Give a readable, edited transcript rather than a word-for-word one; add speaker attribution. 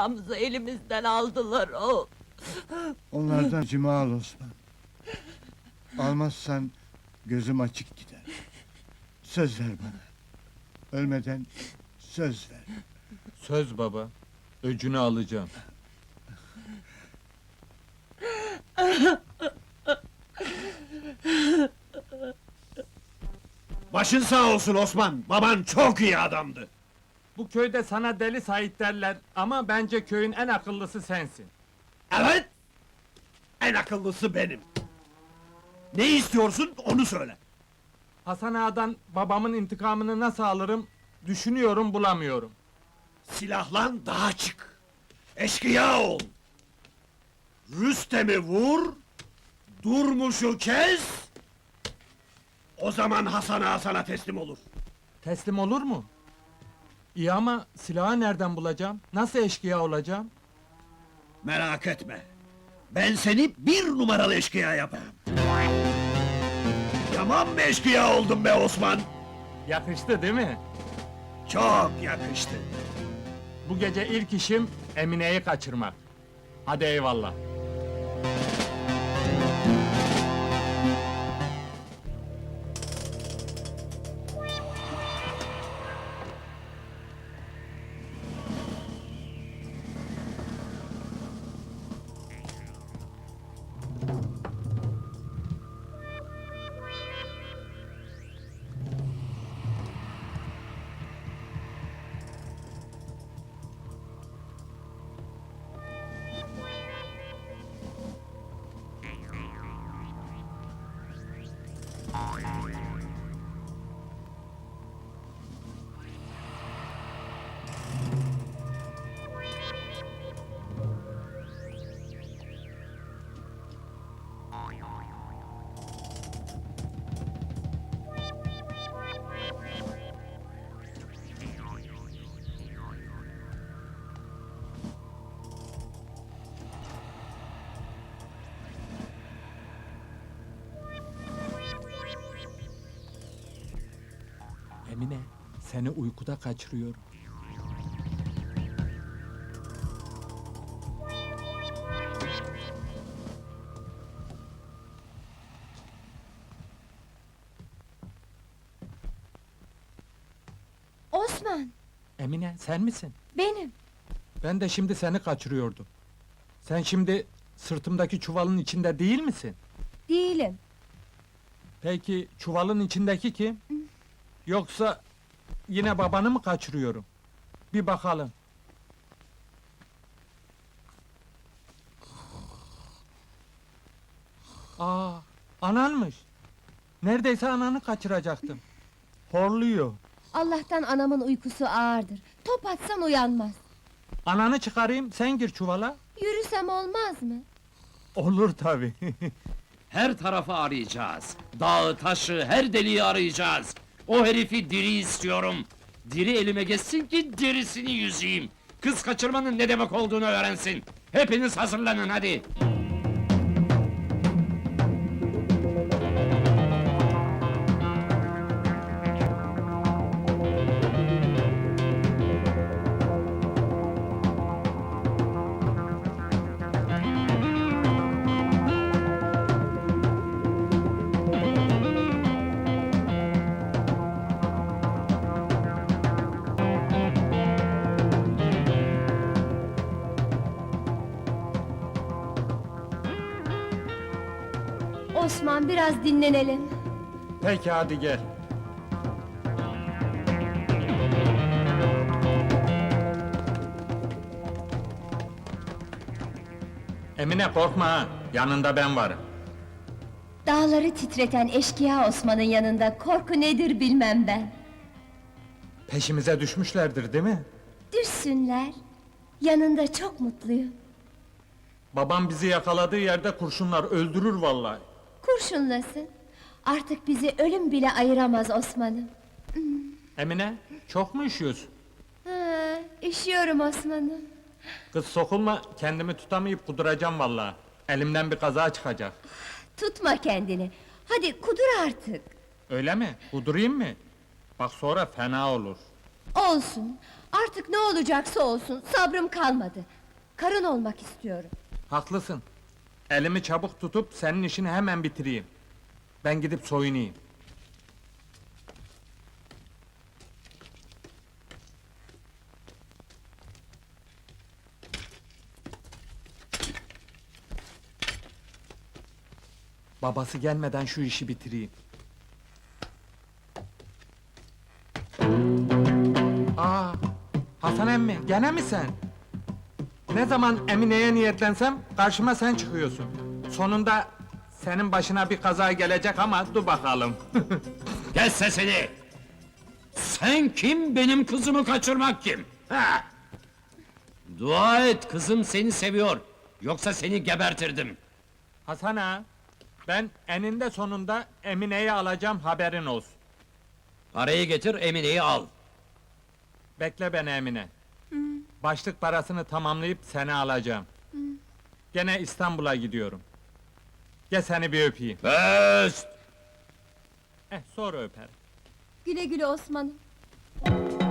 Speaker 1: eşyamızı elimizden aldılar o.
Speaker 2: Onlardan acımı al Osman. Almazsan gözüm açık gider. Söz ver bana. Ölmeden söz ver.
Speaker 3: Söz baba, öcünü alacağım.
Speaker 4: Başın sağ olsun Osman, baban çok iyi adamdı.
Speaker 3: Bu köyde sana Deli Sait derler ama bence köyün en akıllısı sensin.
Speaker 4: Evet, en akıllısı benim. Ne istiyorsun, onu söyle.
Speaker 3: Hasan Ağa'dan babamın intikamını nasıl alırım, düşünüyorum bulamıyorum.
Speaker 4: Silahlan daha çık. Eşkıya ol. Rüstem'i vur, Durmuş'u kes. O zaman Hasan Ağa sana teslim olur.
Speaker 3: Teslim olur mu? İyi ama silahı nereden bulacağım? Nasıl eşkıya olacağım?
Speaker 4: Merak etme. Ben seni bir numaralı eşkıya yaparım. Tamam mı eşkıya oldun be Osman?
Speaker 3: Yakıştı değil mi?
Speaker 4: Çok yakıştı.
Speaker 3: Bu gece ilk işim Emine'yi kaçırmak. Hadi eyvallah. Emine, seni uykuda kaçırıyorum.
Speaker 5: Osman,
Speaker 3: Emine, sen misin?
Speaker 5: benim.
Speaker 3: Ben de şimdi seni kaçırıyordum. Sen şimdi sırtımdaki çuvalın içinde değil misin?
Speaker 5: Değilim.
Speaker 3: Peki çuvalın içindeki kim? Yoksa yine babanı mı kaçırıyorum? Bir bakalım. Aa, ananmış. Neredeyse ananı kaçıracaktım. Horluyor.
Speaker 5: Allah'tan anamın uykusu ağırdır. Top atsan uyanmaz.
Speaker 3: Ananı çıkarayım, sen gir çuvala.
Speaker 5: Yürüsem olmaz mı?
Speaker 3: Olur tabii.
Speaker 6: Her tarafı arayacağız. Dağı, taşı, her deliği arayacağız. O herifi diri istiyorum. Diri elime geçsin ki derisini yüzeyim. Kız kaçırmanın ne demek olduğunu öğrensin. Hepiniz hazırlanın hadi.
Speaker 5: Osman, biraz dinlenelim.
Speaker 3: Peki hadi gel. Emine korkma ha, yanında ben varım.
Speaker 5: Dağları titreten eşkıya Osman'ın yanında korku nedir bilmem ben.
Speaker 3: Peşimize düşmüşlerdir değil mi?
Speaker 5: Düşsünler. Yanında çok mutluyum.
Speaker 3: Babam bizi yakaladığı yerde kurşunlar öldürür vallahi.
Speaker 5: Kurşunlasın. Artık bizi ölüm bile ayıramaz Osman'ım.
Speaker 3: Emine, çok mu üşüyorsun?
Speaker 5: Ha, üşüyorum Osman'ım.
Speaker 3: Kız sokulma, kendimi tutamayıp kuduracağım vallahi. Elimden bir kaza çıkacak.
Speaker 5: Tutma kendini. Hadi kudur artık.
Speaker 3: Öyle mi? Kudurayım mı? Bak sonra fena olur.
Speaker 5: Olsun. Artık ne olacaksa olsun, sabrım kalmadı. Karın olmak istiyorum.
Speaker 3: Haklısın. Elimi çabuk tutup senin işini hemen bitireyim. Ben gidip soyunayım. Babası gelmeden şu işi bitireyim. Aa, Hasan emmi, gene mi sen? Ne zaman Emine'ye niyetlensem karşıma sen çıkıyorsun. Sonunda senin başına bir kaza gelecek ama dur bakalım.
Speaker 6: Kes sesini! Sen kim, benim kızımı kaçırmak kim? Ha? Dua et, kızım seni seviyor. Yoksa seni gebertirdim.
Speaker 3: Hasan ağa, ben eninde sonunda Emine'yi alacağım, haberin olsun.
Speaker 6: Parayı getir, Emine'yi al.
Speaker 3: Bekle beni Emine. Başlık parasını tamamlayıp seni alacağım. Gene İstanbul'a gidiyorum. Gel seni bir öpeyim.
Speaker 6: Öst!
Speaker 3: Sonra öperim.
Speaker 5: Güle güle Osman'ım.